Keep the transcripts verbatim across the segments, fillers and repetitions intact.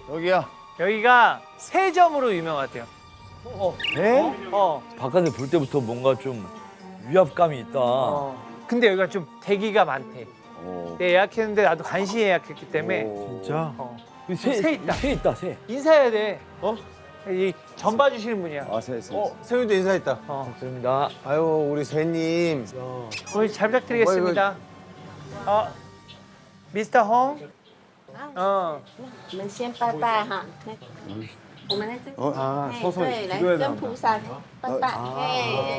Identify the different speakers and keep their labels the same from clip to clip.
Speaker 1: 여기야.
Speaker 2: 여기가 세점으로 유명하대요. 어.
Speaker 1: 네?
Speaker 2: 어.
Speaker 3: 바깥에 볼 때부터 뭔가 좀 위압감이 있다.
Speaker 2: 어. 근데 여기가 좀 대기가 많대.
Speaker 1: 오.
Speaker 2: 내가 예약했는데 나도 간신히 예약했기 때문에.
Speaker 3: 진짜?
Speaker 2: 어.
Speaker 3: 새,
Speaker 2: 새 있다.
Speaker 3: 새 있다, 새.
Speaker 2: 인사해야 돼. 어? 이 전 봐주시는 분이야.
Speaker 1: 아, 세, 세.
Speaker 4: 어, 세윤도 인사했다.
Speaker 2: 어.
Speaker 3: 감사합니다.
Speaker 4: 아유, 우리 세님.
Speaker 2: 오늘 잘 부탁드리겠습니다. 어. 미스터 홍? 어.
Speaker 5: 我们先拜拜哈，那我们来这，
Speaker 1: 어?
Speaker 4: 아,
Speaker 5: 哎
Speaker 4: 서서
Speaker 5: 对，来
Speaker 4: 기도해야
Speaker 5: 跟
Speaker 4: 된다.
Speaker 5: 菩萨拜拜，哎，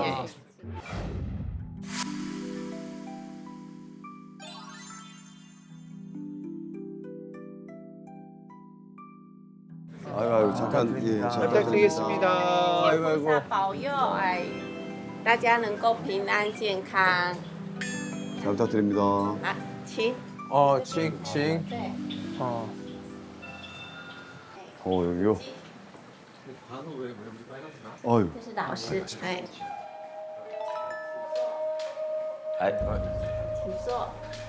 Speaker 1: 아이고, 아이고, 잠깐, 예, 잘
Speaker 2: 잘 부탁드리겠습니다.
Speaker 4: 아이고,
Speaker 5: 菩
Speaker 4: 아이고.
Speaker 5: 萨保佑，哎，大家能够平安健康。
Speaker 1: 잘 부탁드립니다.
Speaker 5: 好，请。
Speaker 4: 어, 칭, 칭.
Speaker 5: 对，
Speaker 2: 어.
Speaker 1: 어, 여기요. 아유.
Speaker 5: 这是老师，哎，
Speaker 3: 아이,
Speaker 5: 请坐。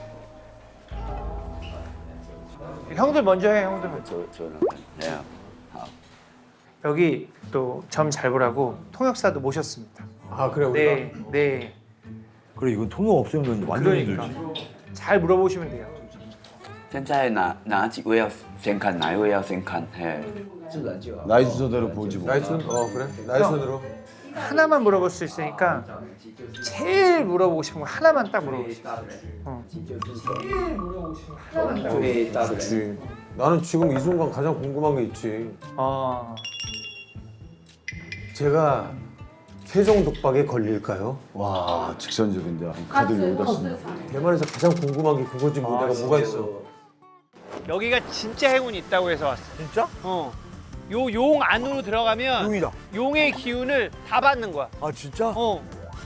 Speaker 2: 형들 먼저 해, 형들 먼저.
Speaker 3: 저, 저는. 네.
Speaker 2: 여기 또 점 잘 보라고 통역사도 모셨습니다.
Speaker 4: 아, 그래, 우리가.
Speaker 2: 네, 네.
Speaker 3: 그래, 이건 통역 없으면 완전
Speaker 2: 그러니까
Speaker 3: 힘들지.
Speaker 2: 잘 물어보시면 돼요.
Speaker 6: 现在哪哪几位要先看，哪一位要先看？嘿，
Speaker 1: 나이 순서대로 보지 뭐.
Speaker 4: 나이 순, 어, 그래? 나이 순으로.
Speaker 2: 하나만 물어볼 수 있으니까 제일 물어보고 싶은 거 하나만 딱 물어보세요. 어. 제일 물어보고 싶은 거 하나만 딱 물어보세요.
Speaker 4: 그렇지. 나는 지금 이 순간 가장 궁금한 게 있지.
Speaker 2: 어.
Speaker 4: 제가 세종 독박에 걸릴까요?
Speaker 1: 와, 직선적인데. 카드를 여기다 쓴다.
Speaker 4: 대만에서 가장 궁금한 게 그거지 뭐 내가 뭐가 있어.
Speaker 2: 여기가 진짜 행운이 있다고 해서 왔어.
Speaker 3: 진짜?
Speaker 2: 어. 요 용 안으로 들어가면
Speaker 3: 용이다.
Speaker 2: 용의 기운을 다 받는 거야.
Speaker 3: 아, 진짜?
Speaker 2: 어.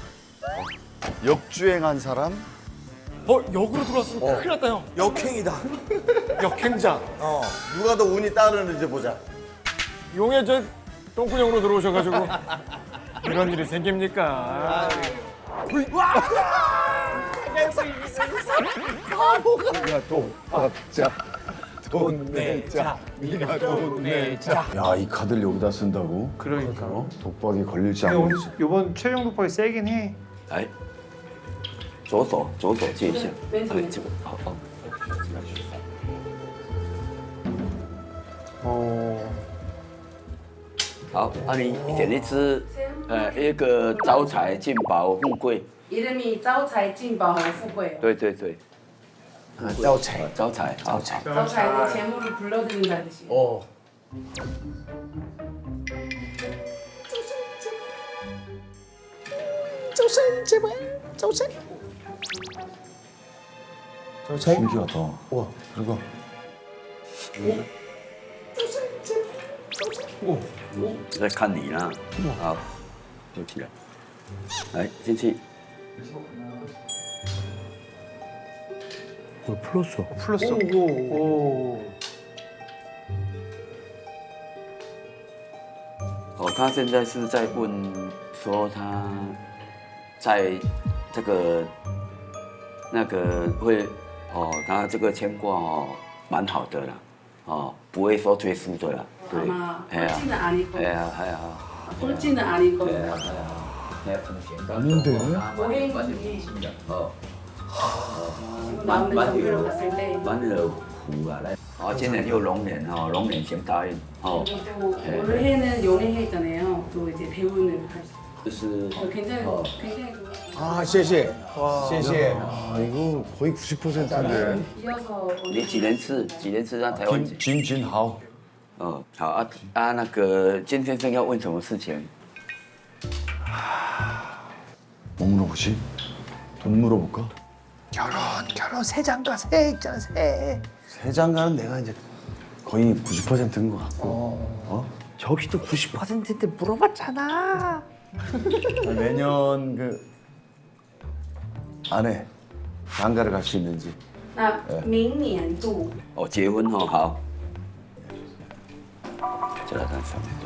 Speaker 1: 역주행한 사람?
Speaker 7: 어, 역으로 들어왔으면 큰일 났다, 형.
Speaker 3: 역행이다.
Speaker 7: 역행자.
Speaker 3: 어. 누가 더 운이 따르는지 보자.
Speaker 7: 용의 저 똥구녕으로 들어오셔가지고 이런 일이 생깁니까?
Speaker 1: 야, 돈 받자. 돈 내자. 네가 돈 내자. 야, 이 카드를 여기다 쓴다고?
Speaker 2: 그러니까.
Speaker 1: 어? 독박에 걸릴지
Speaker 2: 근데
Speaker 1: 안
Speaker 2: 오늘
Speaker 1: 걸릴지.
Speaker 2: 요번 최종 독박이 세긴 해.
Speaker 6: 来，左手左手借一下，哎，这个好好。
Speaker 2: 어.
Speaker 6: 好，啊，你点一支，呃，一个招财进宝富贵，
Speaker 8: 이름이招财进宝和富贵.
Speaker 6: 对对对，
Speaker 4: 아, 짜오차이.
Speaker 6: 呃招财，招财。
Speaker 8: 招财는 재물을 불러들인다는 뜻이에요.
Speaker 4: 어. 짜오차이.
Speaker 1: 신기하다.
Speaker 4: 우와.
Speaker 1: 그리고
Speaker 6: 在看你呢，好，有起来，来进去。
Speaker 3: 뭘 풀었어?
Speaker 2: 풀렸어. 오.
Speaker 6: 哦，他现在是在问说他在这个那个会哦，他这个牵挂哦蛮好的啦，哦，不会说退输的啦，对，
Speaker 8: 아마
Speaker 6: 哎呀，
Speaker 8: 꼴찌는 아닐 거고.
Speaker 6: 哎呀，哎呀，
Speaker 8: 꼴찌는 아닐 거고.
Speaker 6: 哎呀，哎呀，哎呀，风险
Speaker 1: 아닌데?
Speaker 8: 오행 중에
Speaker 6: 哦，
Speaker 8: 지금 나오는 정보를 봤을 때
Speaker 6: 蛮有福啊，来，哦，今年又龙年哦，龙年行大运哦，
Speaker 8: 그리고 또 올해는 연예해 있잖아요. 또 이제 배우는 할 수.
Speaker 6: 就是
Speaker 8: 어, 굉장히 굉장히 좋아.
Speaker 4: 아, 谢谢. 谢谢.
Speaker 1: 아, 이거 거의 구십 퍼센트인데.
Speaker 8: 이어서
Speaker 6: 你几年次？几年次让台湾？
Speaker 1: 진, 진하오.
Speaker 6: 哦，好啊啊，那个金先生要问什么事情？
Speaker 1: 뭐 물어보지? 돈 물어볼까?
Speaker 2: 결혼, 결혼 새 장가 새 있잖아 새.
Speaker 1: 세 장가는 내가 이제 거의 구십 퍼센트인 것 같고. 어?
Speaker 2: 저기도 구십 퍼센트인데 물어봤잖아.
Speaker 1: 내년 그 안에 장가를 갈 수 있는지.
Speaker 8: 那明年度
Speaker 6: 哦，结婚哦，好。这个看上面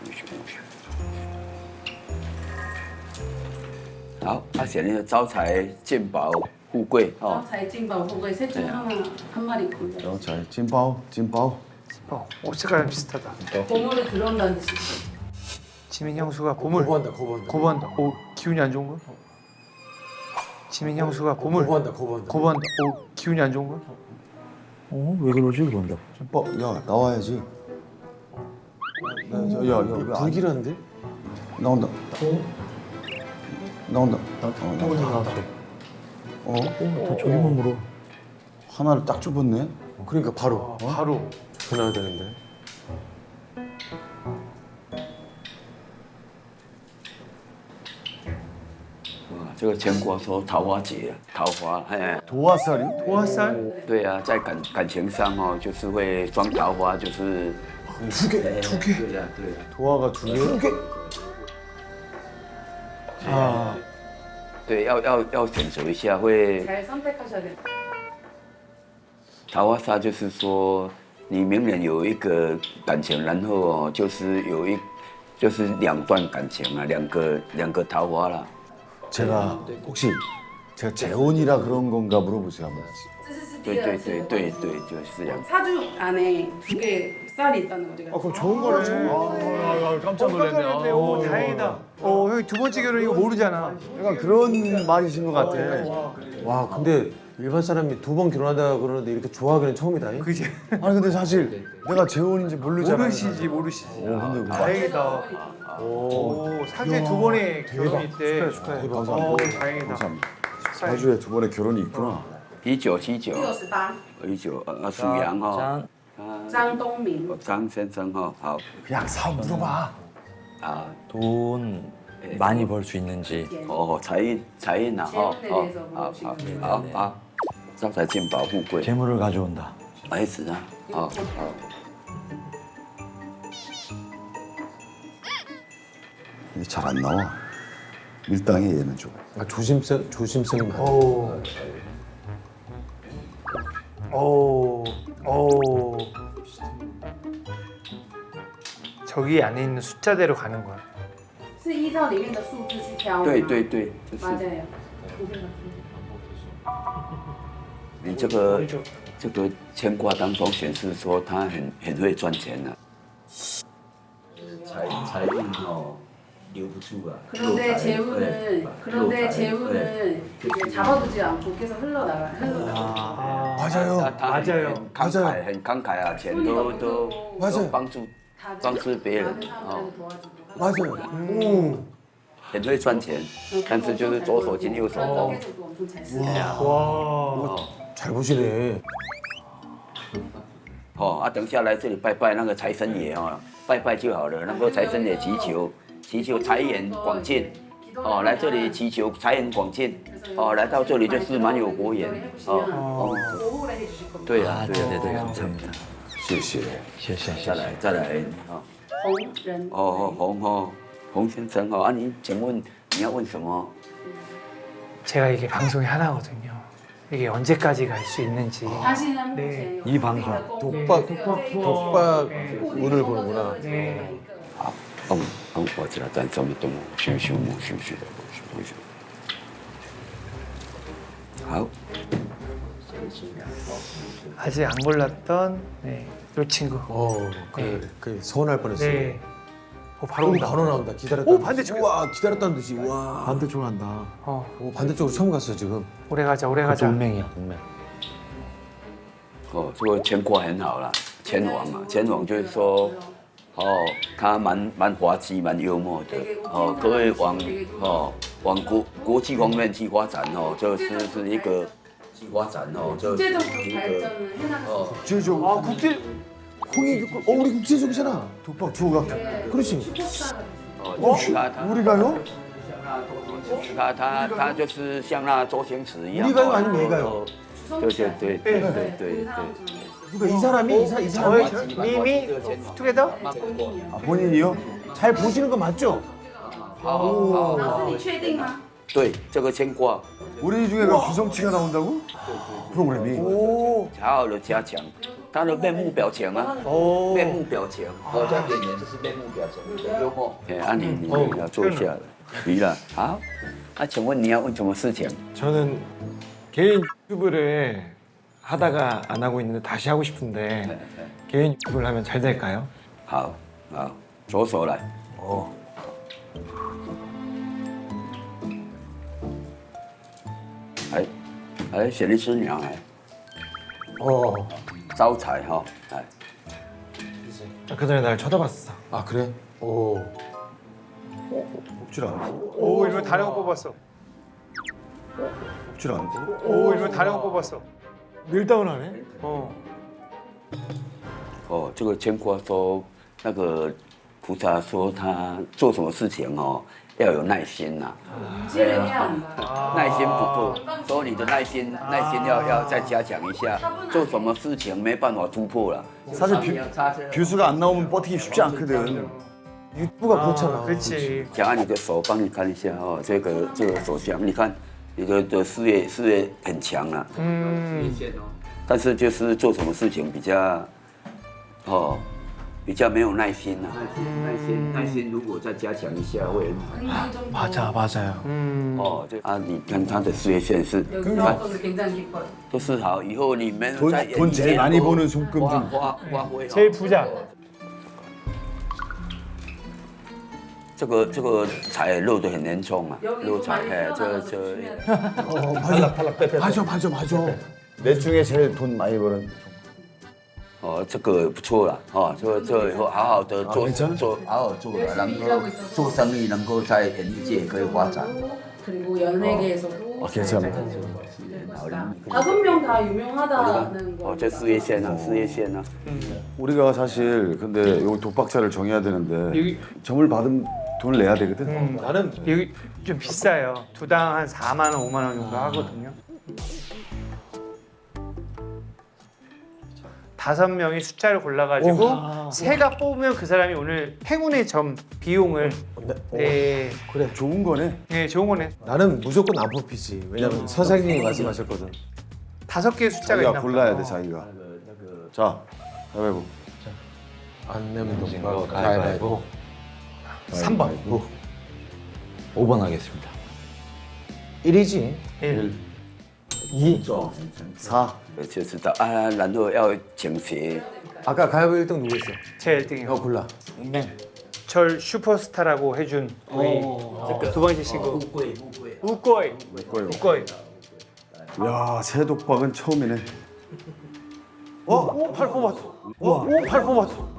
Speaker 6: 好，他写那个招财进宝富贵哦，
Speaker 8: 招财进宝富贵셋 중에 하나 한 마리 골라.
Speaker 1: 어, 잘 찐바오, 찐바오.
Speaker 2: 어, 옷 색깔 비슷하다.
Speaker 8: 보물이 들어온다는 뜻이.
Speaker 2: 지민 형수가 고물.
Speaker 4: 거부한다 거부한다.
Speaker 2: 고번다. 오 기운이 안 좋은 거야? 지민 형수가 고물.
Speaker 4: 거부한다 거부한다.
Speaker 2: 고번다. 오 기운이 안 좋은 거야?
Speaker 3: 어? 왜 그러지 그런다.
Speaker 1: 어, 야 나와야지. 야야 야, 야,
Speaker 4: 불길한데?
Speaker 1: 나온다. 나온다. 어, 나온다. 어?
Speaker 3: 다 저기만 물어.
Speaker 1: 하나를 딱 좁았네.
Speaker 4: 그러니까 바로
Speaker 2: 바로.
Speaker 4: 전화해야 되는데.
Speaker 6: 어, 这个全国说桃花节，桃花，哎，
Speaker 1: 도화살이?
Speaker 2: 도화살?
Speaker 6: 对啊，在感感情上哦，就是会装桃花，就是
Speaker 4: 두 개.
Speaker 6: 哎
Speaker 2: 두 개.
Speaker 6: 对呀、对呀、
Speaker 1: 도화가 두 개?
Speaker 4: 두 개.
Speaker 2: 아,
Speaker 6: 对，要要要选择一下，会
Speaker 8: 잘 선택하셔야 돼요.
Speaker 6: 桃花煞就是说，你明年有一个感情，然后哦，就是有一就是两段感情啊，两个两个桃花啦。
Speaker 1: 제가 혹시 제가 재혼이라 그런 건가 물어보세요 한번.
Speaker 8: 这是
Speaker 6: 对对对对对，就是这样。
Speaker 8: 사주 안에 두 개 쌀이 있다는 거죠.
Speaker 4: 아 그럼 좋은 거네.
Speaker 3: 아, 깜짝 놀랐네.
Speaker 2: 깜짝이야. 오, 다행이다. 어, 형이 두 번째 결혼 이거 모르잖아.
Speaker 1: 약간 그런 말이신 것 같아.
Speaker 4: 와 근데 일반 사람이 두 번 결혼하다 그러는데 이렇게 좋아하기는 처음이다. 잉?
Speaker 2: 그지?
Speaker 1: 아니 근데 사실 내가 재혼인지 모르잖아.
Speaker 2: 모르시지, 모르시지.
Speaker 1: 오 근데 그
Speaker 2: 다행이다. 오, 사주에 두 번의 결혼이 있대.
Speaker 4: 축하해.
Speaker 2: 오,
Speaker 1: 감사합니다.
Speaker 2: 다행이다.
Speaker 1: 감사합니다. 사주에 두 번의 결혼이 있구나.
Speaker 6: 一九七九，
Speaker 8: 六十八，
Speaker 6: 一九呃属羊哈，
Speaker 3: 짠.
Speaker 8: 张东明。
Speaker 6: 张先生哈，好
Speaker 1: 그냥 사업 물어봐.
Speaker 6: 아
Speaker 3: 돈 많이 벌 수 있는지.
Speaker 6: 어财财运啊哈，好好好好好，招财进宝富贵，
Speaker 3: 재물을 가져온다.
Speaker 6: 儿子啊，好好。
Speaker 1: 이게 잘 안 나와. 밀당해 얘는 좀.
Speaker 4: 아, 조심성 조심성이 많아.
Speaker 2: 오. 오. 오. 저기 안에 있는 숫자대로 가는 거야.
Speaker 8: 是依照里面的数字去挑吗？
Speaker 6: 对对对，就是
Speaker 8: 맞아요.
Speaker 6: 你这个这个牵挂当中显示说他很很会赚钱啊，财财运哦留不住啊。
Speaker 8: 그런데 재우는 그런데 재우는 이제 잡아두지 않고 계속 흘러나가 흘러나가.
Speaker 1: 맞아요.
Speaker 6: 他他
Speaker 2: 맞아요.
Speaker 6: 很慷慨，很慷慨啊，钱都都都帮助
Speaker 8: 다
Speaker 6: 帮助别人
Speaker 8: 많은
Speaker 6: 哦，
Speaker 8: 사람들한테 도와주고.
Speaker 4: 맞아요. 오.
Speaker 6: 很会赚钱，但是就是左手进右手空。
Speaker 8: 계속도 엄청 잘 쓰고.
Speaker 2: 와.
Speaker 4: 잘 보시네.
Speaker 6: 哦啊，等下来这里拜拜那个财神爷哦，拜拜就好了。那个财神爷祈求祈求财源广进，哦，来这里祈求财源广进，哦，来到这里就是蛮有佛缘，哦哦，
Speaker 8: 보호를 해주실 겁니다.
Speaker 6: 对啊
Speaker 3: 아,
Speaker 6: 对啊
Speaker 3: 네네네.
Speaker 6: 对啊，
Speaker 3: 감사합니다.
Speaker 1: 谢谢.
Speaker 3: 谢谢谢谢。
Speaker 6: 再来再来哦
Speaker 8: 홍ren.
Speaker 6: 哦哦洪哦洪先生哦，啊你请问你要问什么？
Speaker 2: 제가 이게 방송이 하나거든요. 이게 언제까지 갈 수 있는지.
Speaker 8: 다시는
Speaker 2: 네.
Speaker 3: 이 방송.
Speaker 4: 독박 독박 운을 보는구나.
Speaker 2: 네.
Speaker 6: 好，嗯嗯，我知道，咱这么动修修木修修的修修。好。
Speaker 2: 아직 안 골랐던 네, 요 친구.
Speaker 4: 어, 그, 그 서운할 뻔했어.
Speaker 2: 네. 오, 바로
Speaker 4: 오,
Speaker 2: 온다.
Speaker 4: 바로 나온다. 기다렸다.
Speaker 2: 오, 반대쪽이야.
Speaker 4: 와, 기다렸다는 듯이. 와.
Speaker 1: 반대쪽으로 한다.
Speaker 2: 어,
Speaker 4: 오, 반대쪽으로 처음 갔어 지금.
Speaker 2: 오래 가자, 오래 가자.
Speaker 3: 동맹이야 동맹.
Speaker 6: 哦，这个牵挂很好啦，前王啊，前王就是说，哦，他蛮蛮滑稽，蛮幽默的，哦，可以往哦往国国际方面去发展哦，就是是一个去发展哦，就是一
Speaker 8: 국제적으로
Speaker 6: 个
Speaker 8: 발전을 해나갈
Speaker 6: 어
Speaker 8: 수
Speaker 1: 국제적으로.
Speaker 2: 아, 국제
Speaker 4: 홍이 어 우리 국제적이잖아.
Speaker 1: 독박 주호가.
Speaker 8: 있어요.
Speaker 4: 그렇지.
Speaker 8: 슈퍼스타가
Speaker 6: 哦，他他
Speaker 1: 우리가요?
Speaker 6: 他他他就是像那周星驰一样，
Speaker 4: 우리가요 아니면 얘가요?
Speaker 6: 对对对对对对对。
Speaker 4: 그러니까 이 사람이 이, 사, 이
Speaker 2: 저의
Speaker 4: 사람이
Speaker 2: 저- 미미 투게더?
Speaker 1: 아, 본인이요?
Speaker 4: 잘 보시는 거 맞죠?
Speaker 8: 老师，你确定吗？
Speaker 6: 对，这个牵挂
Speaker 1: 우리 중에 그 구성치가 나온다고? 프로그램이.
Speaker 4: 오.
Speaker 6: 好好的加强他的面目表情啊，
Speaker 2: 오.
Speaker 6: 面目表情，哦，这样演员就是面目表情，很幽默。哎，啊你你你要坐下了，于了，好，那请问你要问什么事情？
Speaker 7: 저는 개인 유튜브를 하다가 안 하고 있는데 다시 하고 싶은데 개인 유튜브를 하면 잘 될까요?
Speaker 6: 好，好，左手来。
Speaker 3: 哦，
Speaker 6: 哎，哎，雪莉师娘哎，
Speaker 4: 어.
Speaker 6: 招财哈，哎，
Speaker 7: 그 전에 날 쳐다봤어.
Speaker 4: 아 그래? 오.
Speaker 1: 옥줄 안
Speaker 2: 오 이러면 다른 거 뽑았어.
Speaker 1: 옥줄 안
Speaker 2: 오 이러면 다른 거 뽑았어.
Speaker 7: 밀다운하네.
Speaker 2: 어.
Speaker 6: 哦，这个牵挂说那个菩萨说他做什么事情哦要有耐心呐、
Speaker 8: 유지를 해야 한다.
Speaker 6: 耐心不够，所以你的耐心耐心要要再加强一下，做什么事情没办法突破了。
Speaker 1: 사실 뷰, 뷰수가 안 나오면 버티기 쉽지 않거든.
Speaker 4: 유튜브가 그렇잖아.
Speaker 2: 그렇지.
Speaker 6: 讲按你的手，帮你看一下哦，这个这个手相，你看你的的事业事业很强啊，
Speaker 2: 음.
Speaker 6: 但是就是做什么事情比较哦比较没有耐心啊。耐心耐心如果再加强一下会很好。
Speaker 8: 흥미 좀
Speaker 7: 맞아, 맞아요.
Speaker 2: 음.
Speaker 6: 哦，这啊，你看他的事业线是，
Speaker 8: 여기서 굉장히 기뻐요.
Speaker 6: 都是好，以后你们
Speaker 1: 돈,
Speaker 6: 在
Speaker 1: 돈 제일 많이 버는 손금
Speaker 6: 花
Speaker 1: 중
Speaker 6: 花花挥。
Speaker 2: 제일 부자.
Speaker 6: 这个这个财漏得很严重啊，
Speaker 8: 여기
Speaker 6: 漏
Speaker 8: 또
Speaker 6: 财
Speaker 8: 많이
Speaker 6: 哎，这
Speaker 8: 태어나서
Speaker 6: 这
Speaker 8: 조심해야 돼.
Speaker 4: 어, 맞아. 맞아, 맞아, 맞아.
Speaker 1: 넷 중에 제일 돈 많이 버는
Speaker 6: 哦，这个不错了哦，这这以后好好的做做好好做，能够做生意，能够在演艺界可以发展。
Speaker 8: 그리고 연예계에서도
Speaker 1: 아, 괜찮아.
Speaker 8: 다섯 명 다 유명하다는 거.
Speaker 6: 哦，这事业线啊，事业线啊。
Speaker 1: 우리가 사실 근데 여기 독박자를 정해야 되는데
Speaker 2: 여기
Speaker 1: 점을 받으면 돈을 내야 되거든.
Speaker 2: 음.
Speaker 4: 나는
Speaker 2: 여기 좀 비싸요. 두당 한 사만 원, 오만 원 정도 하거든요. 다섯 명이 숫자를 골라가지고 세가 뽑으면 그 사람이 오늘 행운의 점 비용을 네,
Speaker 4: 그래.
Speaker 1: 좋은 거네.
Speaker 2: 네 좋은 거네.
Speaker 4: 나는 무조건 안 뽑히지. 왜냐면 선생님이 말씀하셨거든.
Speaker 2: 다섯 개의 숫자가
Speaker 1: 자기가
Speaker 2: 있나
Speaker 1: 골라야
Speaker 2: 보다.
Speaker 1: 돼 자기가. 자, 가위바위보.
Speaker 4: 안 내면 동거 가위바위보.
Speaker 2: 삼 번.
Speaker 3: 오 번 하겠습니다.
Speaker 4: 일이지.
Speaker 2: 일.
Speaker 4: 이.
Speaker 1: 사.
Speaker 6: 就知道啊，然后要倾斜。
Speaker 4: 아까 가위바위보 일 등 누구 있어?
Speaker 2: 제 일 등이요.
Speaker 4: 너 골라.
Speaker 2: 절 슈퍼스타라고 해준 우리 두 번째 친구 우꼬이. 우꼬이. 우꼬이.
Speaker 1: 야, 새 독박은 처음이네.
Speaker 2: 어? 오, 팔 뽑았어. 오, 팔 뽑았어.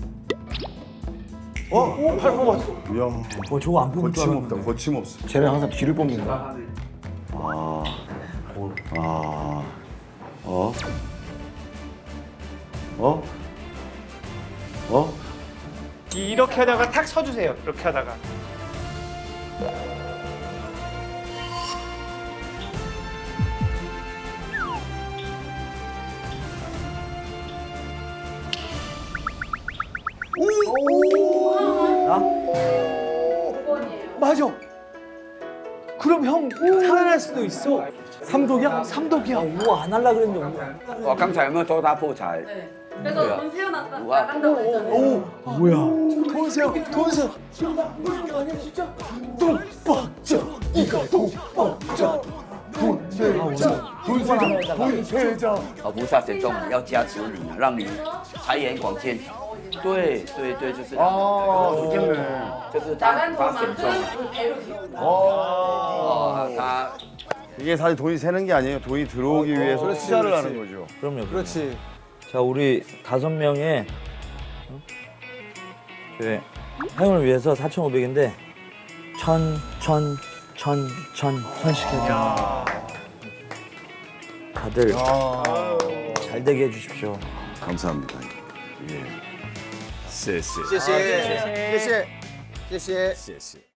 Speaker 2: 어? 오, 팔 뽑았어.
Speaker 1: 야,
Speaker 3: 어, 저거 안 뽑을 줄
Speaker 1: 거침없다.
Speaker 3: 알았는데.
Speaker 1: 거침없어.
Speaker 7: 쟤는 항상 뒤를 뽑는다.
Speaker 1: 아, 아, 어, 어, 어?
Speaker 2: 이렇게 하다가 탁 서주세요. 이렇게 하다가. 맞아. 그럼 형 살아날 수도 있어. 삼독이야? 삼독이야.
Speaker 3: 우와 안 할라 그랬는데.
Speaker 6: 我刚才有没有说他破财？
Speaker 8: 네. 그래서 돈 세워놨다
Speaker 6: 우와.
Speaker 8: 나간다고 했잖아요.
Speaker 1: 뭐야?
Speaker 2: 돈세요, 돈세요. 독박자, 이거 독박자. 돈세자, 돈세자.
Speaker 6: 哦，菩萨神众要加持你，让你财源广进。对对对，就是
Speaker 1: 哦좋겠네.
Speaker 6: 就是他
Speaker 8: 나간
Speaker 6: 他神
Speaker 8: 돈만큼
Speaker 6: 众
Speaker 8: 우리 배로 기운다.
Speaker 6: 哦，他
Speaker 1: 이게 사실 돈이 새는 게 아니에요. 돈이 들어오기 위해서
Speaker 4: 그렇지,
Speaker 1: 투자를
Speaker 4: 그렇지.
Speaker 1: 하는 거죠.
Speaker 3: 그럼요. 그럼요.
Speaker 4: 그렇지.
Speaker 3: 자 우리 다섯 명의 어? 그 행운을 위해서 사천오백인데 천, 천, 천, 천, 천씩 해서 다들 잘 되게 해주십시오.
Speaker 1: 감사합니다. 예. 谢谢.
Speaker 4: 谢谢. 谢谢. 谢谢.
Speaker 1: 谢谢.